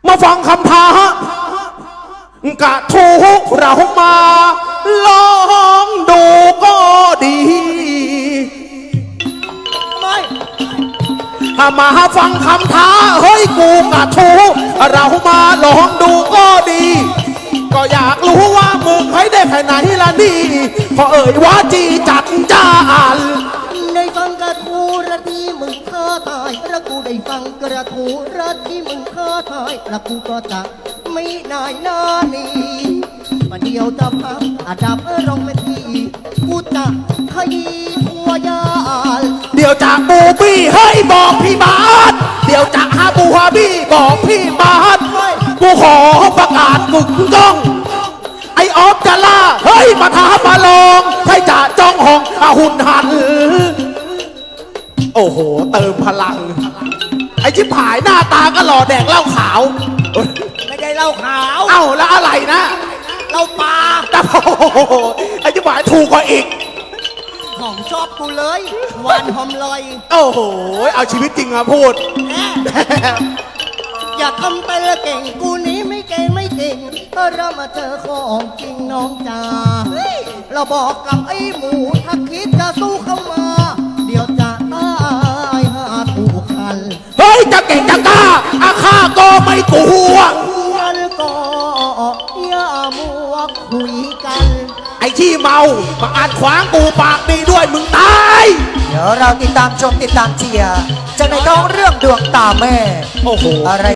มาฟังคำท้ากะทูเรามาลองดูก็ดีมาฟังคำท้าเฮ้ยกูกะทูเรามาลองดูก็ดีก็อยากรู้ว่ามึงให้ได้แค่ไหนล่ะนี่พอเอ่ยว่าจีจัดจ้านได้ฟังกระทูระที่มึงท้าทายแล้วกูได้ฟังกระทูระที่มึงท้าทายแล้วกูก็จะไม่นายหน้านี้ประเดี๋ยวจะพับอาดับร้องเป็นทีกูจะขยี้ทัวยาเดี๋ยวจากบูบี้เฮ้ยบอกพี่บาสเดี๋ยวจากฮาบูฮาบี้บอกพี่บาสกูขอประกาศกึกก้องไอออฟจะล่าเฮ้ยมาท้ามาลองให้จ่าจ้องห้องหุ่นหันโอ้โหเติมพลังไอชิบหายหน้าตาก็หล่อแดกเหล้าขาวไม่ได้เหล้าขาวเอ้าแล้วอะไรนะเหล้าปลาแต่โอ้โหไอชิบหายถูกกว่าอีกของชอบกูเลยหวานหอมลอยโอ้โหเอาชีวิตจริงมาพูดอย่าทำไปละเก่งกูนี้ไม่เก่งไม่เก่งก็เรามาเจอของจริงน้องจ๋าเราบอกกับไอ้หมูถ้าคิดจะสู้เข้ามาเดี๋ยวจะตายหาถูกคันเฮ้ยจะเก่งจะกล้าอาฆาก็ไม่กลัวงั้นก็อย่ามัวคุยกันไอ้ที่เมามาอ่านขวางกูปากดีด้วยมึงตายเดี๋ยวเราติดตามชมติดตามเชียร์จากในท้องเรื่องดวงตาแม่โอ้โหอะไร